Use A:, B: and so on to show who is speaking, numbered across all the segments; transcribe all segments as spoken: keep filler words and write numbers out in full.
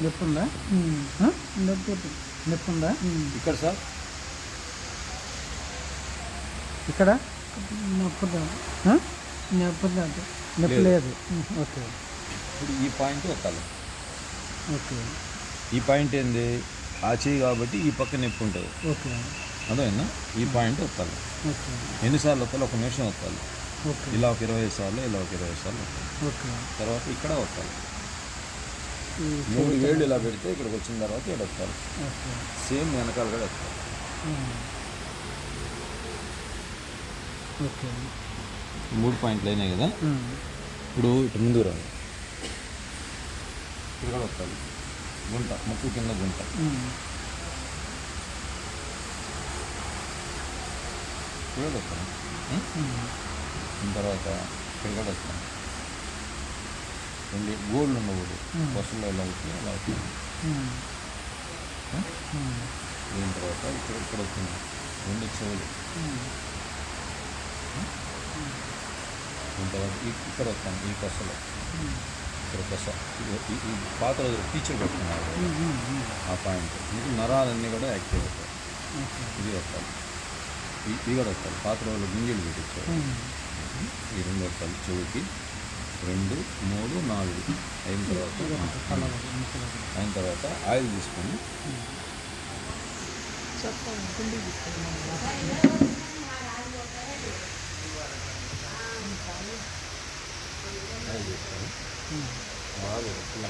A: నొప్పి ఉందా?
B: నొప్పి
A: నొప్పి ఉందా?
C: ఇక్కడ సార్
A: ఇక్కడ
B: నొప్పి రాదు. నొప్పి రాదు.
A: నొప్పి లేదు. ఓకే.
C: ఇప్పుడు ఈ పాయింట్ ఒత్తాలి.
A: ఓకే.
C: ఈ పాయింట్ ఏంది? ఆ చేయి కాబట్టి ఈ పక్క నొప్పి ఉంటుంది.
A: ఓకే.
C: అదేనా? ఈ పాయింట్ ఒత్తాలి.
A: ఓకే.
C: ఎన్నిసార్లు ఒత్తాలి? ఒక నిమిషం ఒత్తాలి.
A: ఓకే.
C: ఇలా ఒక ఇరవై సార్లు, ఇలా ఒక ఇరవై సార్లు.
A: ఓకే.
C: తర్వాత ఇక్కడ ఒత్తాలి. మూడు వేళ్ళు ఇలా పెడితే ఇక్కడికి వచ్చిన తర్వాత ఇక్కడ వస్తారు. సేమ్ వెనకాల కూడా వస్తారు.
A: ఓకే.
C: మూడు పాయింట్లు అయినాయి కదా. ఇప్పుడు ఇటు ముందు రాదు, ఇక్కడ కూడా వస్తారు. గుంట, ముక్కు కింద గుంట. ఇక్కడ కూడా వస్తాను. తర్వాత ఇక్కడ కూడా వస్తాను. రెండు గోల్డ్ ఉండకూడదు. బస్సులో ఇలా అవుతుంది, ఇలా అవుతుంది. దీని తర్వాత ఇక్కడ ఇక్కడ వచ్చింది రెండు చెవులు. దీని తర్వాత ఇక్కడ వస్తాను, ఈ కొసలో ఇక్కడ కొస. ఈ పాత రోజులు టీచర్ పెట్టుకున్నారు ఆ పాయింట్. ఇది నరాలన్నీ కూడా యాక్టివ్ అవుతాయి. ఇది వస్తాను, ఇది కూడా వస్తాను. పాత రోజులు గింజలు పెట్టించారు. ఈ రెండు వస్తాను చెవుకి. రెండు, మూడు, నాలుగు అయిన తర్వాత అయిన తర్వాత ఆయిల్ తీసుకొని ఆయిల్ తీసుకొని బాగా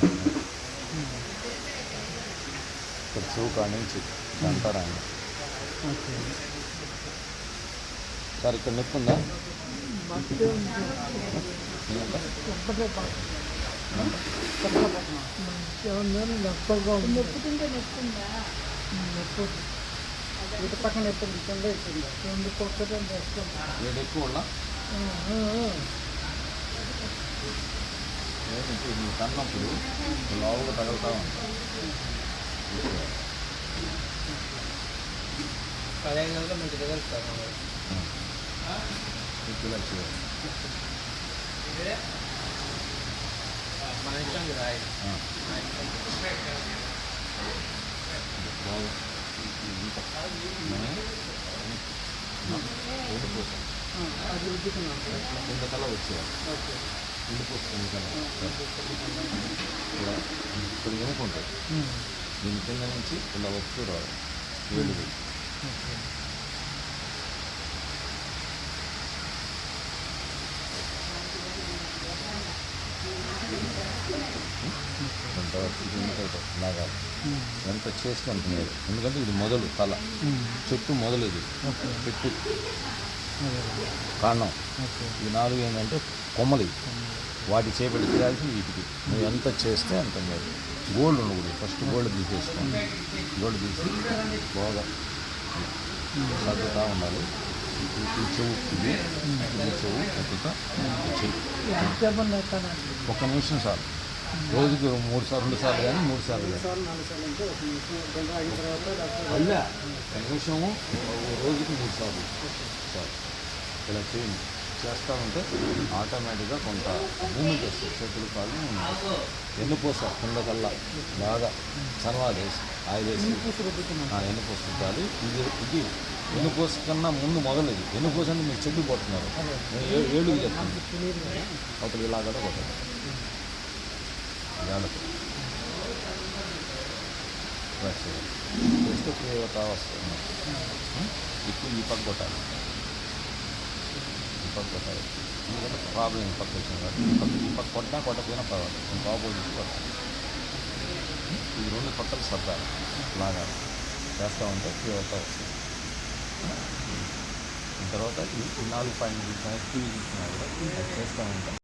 C: ఇక్కడ చెవు కాడి నుంచి అంటారా ఆయన సార్ ఇక్కడ నొప్పి ఉందా?
B: నొప్పుతుంటే నొప్పుందా? నొప్పు ఇటు పక్కన ఎప్పుడు కింద ఇస్తుంది. రెండు కొట్టడం
C: ఏడు ఎక్కువ ఉన్నా కన్నప్పుడు లోవుగా తగులుతూ ఉంటాం.
D: పదిహేను గంటలు మంచి రిజల్ట్ సార్. మన ఇష్టం కదా
C: ఇంతకల్లా వచ్చేయాలి. ఉండిపోతుంది ఇలా ఇప్పుడు ఎనుకుంటుంది. దీని కింద నుంచి ఇలా వస్తూ రావాలి. ఏడు పెట్టి లాగాలి. ఎంత చేస్తే అంత మేలు. ఎందుకంటే ఇది మొదలు తల, చెట్టు మొదలు. ఇది చెట్టు కాండం. ఈ నాలుగు ఏంటంటే కొమ్మలు. వాటి చేపట్టి చేయాల్సి వీటికి నువ్వు ఎంత చేస్తే అంత మేలు. గోల్డ్ ఉండకూడదు. ఫస్ట్ గోల్డ్ తీసేసుకోండి. గోల్డ్ తీసి బాగా సర్దుతూ ఉండాలి. ఈ చెవు ఇది ఈ చెవు ఒక్కొక్క చెయ్యి. ఒక్క నిమిషం సార్. రోజుకి మూడు సార్లు రెండు సార్లు కానీ మూడు సార్లు కానీ ఒక నిమిషము రోజుకి మూడు సార్లు సార్ ఇలా చేయండి. చేస్తూ ఉంటే ఆటోమేటిక్గా కొంత మూమెంట్ వస్తుంది. చేతులు కాళ్ళు ఎన్నుపూస కిందకల్లా బాగా సన్వాలు వేసి ఆయిల్ వేసి ఎన్నుపూస పెట్టాలి. ఇది ఇది ఎన్నుపూస కన్నా ముందు మొదలు. ఇది ఎన్నుపూస అంటే మీరు చెట్టు కొట్టున్నారు. ఏడుగు చెప్తుంది. అవతల ఇలా కూడా కొట్టాలి. చేస్తే తీవ్రత వస్తుంది. ఇప్పుడు ఈ పక్క కొట్టాలి. ఈ పక్క కొట్టాలి. ఎందుకంటే ప్రాబ్లం ఈ పక్క వచ్చింది కాబట్టి ఈ పక్క ఈ పక్క కొట్టినా కొట్టకపోయినా పర్వాలేదు. కొంచెం ఆపోజిట్ కొట్టాలి. ఈ రెండు పక్కలు సర్దాలి. లాగాలి. చేస్తూ ఉంటే తీవ్రత వస్తుంది. తర్వాత ఈ నాలుగు పాయింట్ టీవీ చూసినా కూడా చేస్తూ ఉంటాం.